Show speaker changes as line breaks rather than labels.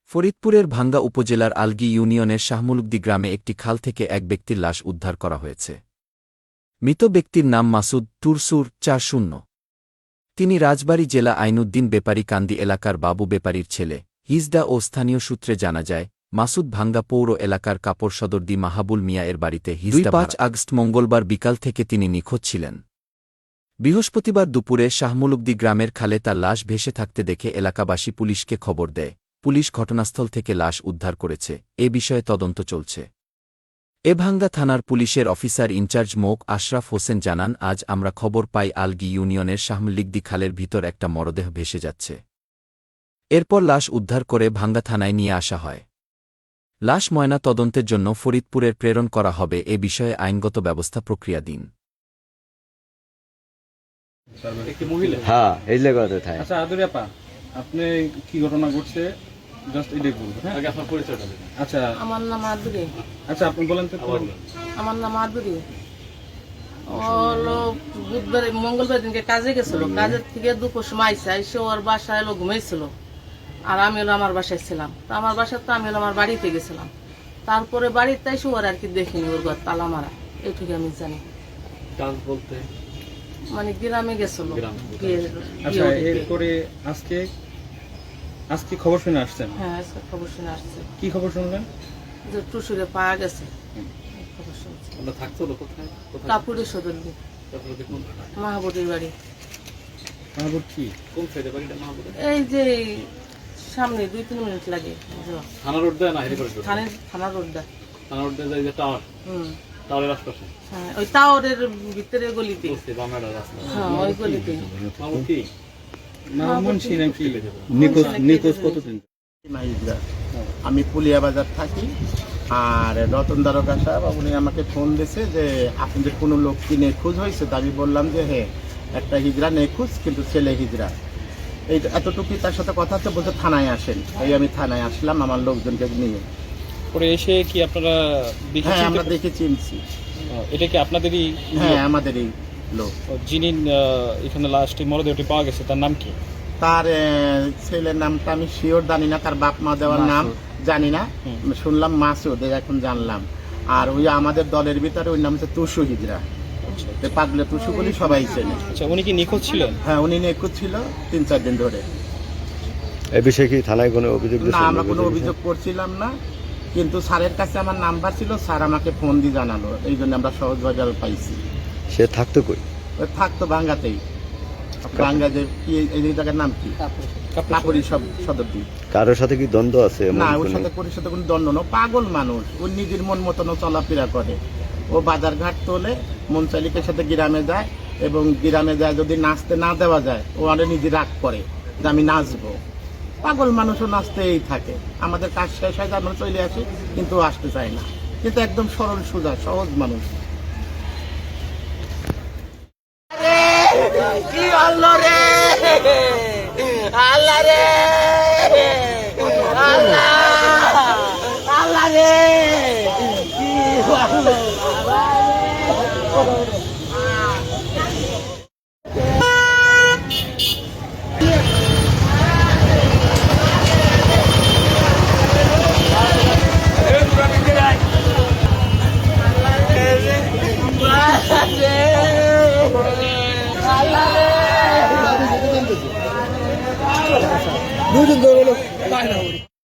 ফরিদপুরের ভাঙ্গা উপজেলার আলগী ইউনিয়নের শাহমুলুকদি গ্রামে একটি খাল থেকে এক ব্যক্তির লাশ উদ্ধার করা হয়েছে। মৃত ব্যক্তির নাম মাসুদ টুরসুর ৪০। তিনি রাজবাড়ী জেলা আইনউদ্দিন বেপারী কান্দি এলাকার বাবু বেপারীর ছেলে। হিজডা ও স্থানীয় সূত্রে জানা যায়, মাসুদ ভাঙ্গা পৌর এলাকার কাপড় সদরদি মাহাবুল মিয়া এর বাড়িতে ২ আগস্ট মঙ্গলবার বিকাল থেকে তিনি নিখোঁজ ছিলেন। বৃহস্পতিবার দুপুরে শাহমুলুকদি গ্রামের খালে তার লাশ ভেসে থাকতে দেখে এলাকাবাসী পুলিশকে খবর দেয়। পুলিশ ঘটনাস্থল থেকে লাশ উদ্ধার করেছে। এ বিষয়ে তদন্ত চলছে। ভাঙ্গা থানার পুলিশের অফিসার ইনচার্জ মোক আশরাফ হোসেন জানান, আজ আমরা খবর পাই আলগী ইউনিয়নের শাহমুলুকদি খালের ভিতর একটা মরদেহ ভেসে যাচ্ছে। এরপর লাশ উদ্ধার করে ভাঙ্গা থানায় নিয়ে আসা হয়। লাশ ময়না তদন্তের জন্য ফরিদপুরের প্রেরণ করা হবে। এ বিষয়ে আইনগত ব্যবস্থা প্রক্রিয়াধীন।
হ্যাঁ, এই জায়গাতে থাকে।
আচ্ছা আদুরি আপা, আপনি কি ঘটনা ঘটছে জাস্ট এটাই বলুন। হ্যাঁ, আগে আপনার পরিচয়টা দিন। আচ্ছা,
আমার নাম আদুরি।
আচ্ছা আপনি বলেন তো।
আমার নাম আদুরি। বুধবার মঙ্গলবার দিনকে কাজে গেছিল, কাজের থেকে দুপুর সময় আইসে ওর বাসায় এলো ঘুমাইছিল, আর আমি হলো আমার বাসায় ছিলাম। তো আমার বাসায় তো আমি হলো আমার বাড়িতে গেছিলাম। তারপরে বাড়িতে এসে ওর আর কি দেখিনি, ওর ঘর তালা মারা, এইটুকু আমি জানি।
কাজ বলতে
মানে গ্রামে গেছিল।
আচ্ছা, এরপরে আজকে খবর শুনে আসছেন?
হ্যাঁ, আজকে খবর শুনে আসছে।
কি খবর শুনলেন?
যে টুসুরে পাওয়া গেছে। খবর শুনছি। কাপুরি সদরদি মাহাবুরের বাড়ি।
মাহবুব কি কোন সাইডে বাড়িটা মাহবুবের?
এই যে সামনে 2-3 মিনিট লাগে।
থানা রোড দেয় না হেরিকট রোড?
থানা রোড দেয়।
থানা রোড দেয় যে টাওয়ার। টাওয়ারের আশপাশে।
হ্যাঁ, ওই টাওয়ারের ভিতরে গলিতে।
বামের রাস্তা।
হ্যাঁ, ওই গলিতে।
মাহবুব কি মুন্সি নাকি?
নিখোঁজ কতদিন? আমি পুলিয়া বাজার থাকি। আর রতন দারোগা সাহেব উনি আমাকে ফোন দিয়েছে যে আপনাদের কোনো লোক কি নিখোঁজ হয়েছে। তো আমি বললাম যে হ্যাঁ, একটা হিজড়া নিখোঁজ, কিন্তু ছেলে হিজড়া। এই এতটুকুই তার সাথে কথা হচ্ছে, বলতে থানায় আসেন। এই আমি থানায় আসলাম আমার লোকজনকে নিয়ে।
পরে এসে কি আপনারা
হ্যাঁ, আমরা দেখে চিনছি।
এটা কি আপনাদেরই?
হ্যাঁ, আমাদেরই লোক।
যিনি এখানে লাস্টে মরদেহটি পাওয়া গেছে তার নাম কি?
তার ছেলের নামটা আমি শিওর জানি না, তার বাপ মা দেওয়ার নাম জানি না। শুনলাম মাসুদ, এখন জানলাম। আর ওই আমাদের দলের ভিতরে ওই নাম হচ্ছে টুসু হিজড়া। পাগলে টুসু বলি সবাই চেনে।
আচ্ছা, উনি কি নিখোঁজ ছিলেন?
হ্যাঁ, উনি নিখোঁজ ছিল 3-4 দিন ধরে।
এই বিষয়ে কি থানায় কোনো অভিযোগ?
না, আমরা কোনো অভিযোগ করছিলাম না, কিন্তু স্যারের কাছে আমার নাম্বার ছিল, স্যার আমাকে ফোন দিয়ে জানালো। এই জন্য আমরা সহজভাবে পাইছি।
সে থাকতো কই?
ওই থাকতো ভাঙ্গাতেই। ভাঙ্গা যে কি এই জায়গার নাম কি? কাপুরি সদরদি।
কারোর সাথে কি দ্বন্দ্ব আছে?
না, ওর সাথে কোনো দ্বন্দ্ব না। পাগল মানুষ, ও নিজের মন মতন চলাফেরা করে। ও বাজার ঘাট তোলে, মন চালিকের সাথে গ্রামে যায়, এবং গ্রামে যায় যদি নাচতে না দেওয়া যায়, ও আরে নিজে রাগ করে যে আমি নাচবো। পাগল মানুষও নাচতেই থাকে। আমাদের কাজ শেষ হয়, আমরা চলে আসি, কিন্তু ও আসতে চায় না। কিন্তু একদম সরল সোজা সহজ মানুষ।
কি আল্লাহ রে, আল্লাহ রে, আল্লাহ, আল্লাহ রে, কি
দুজন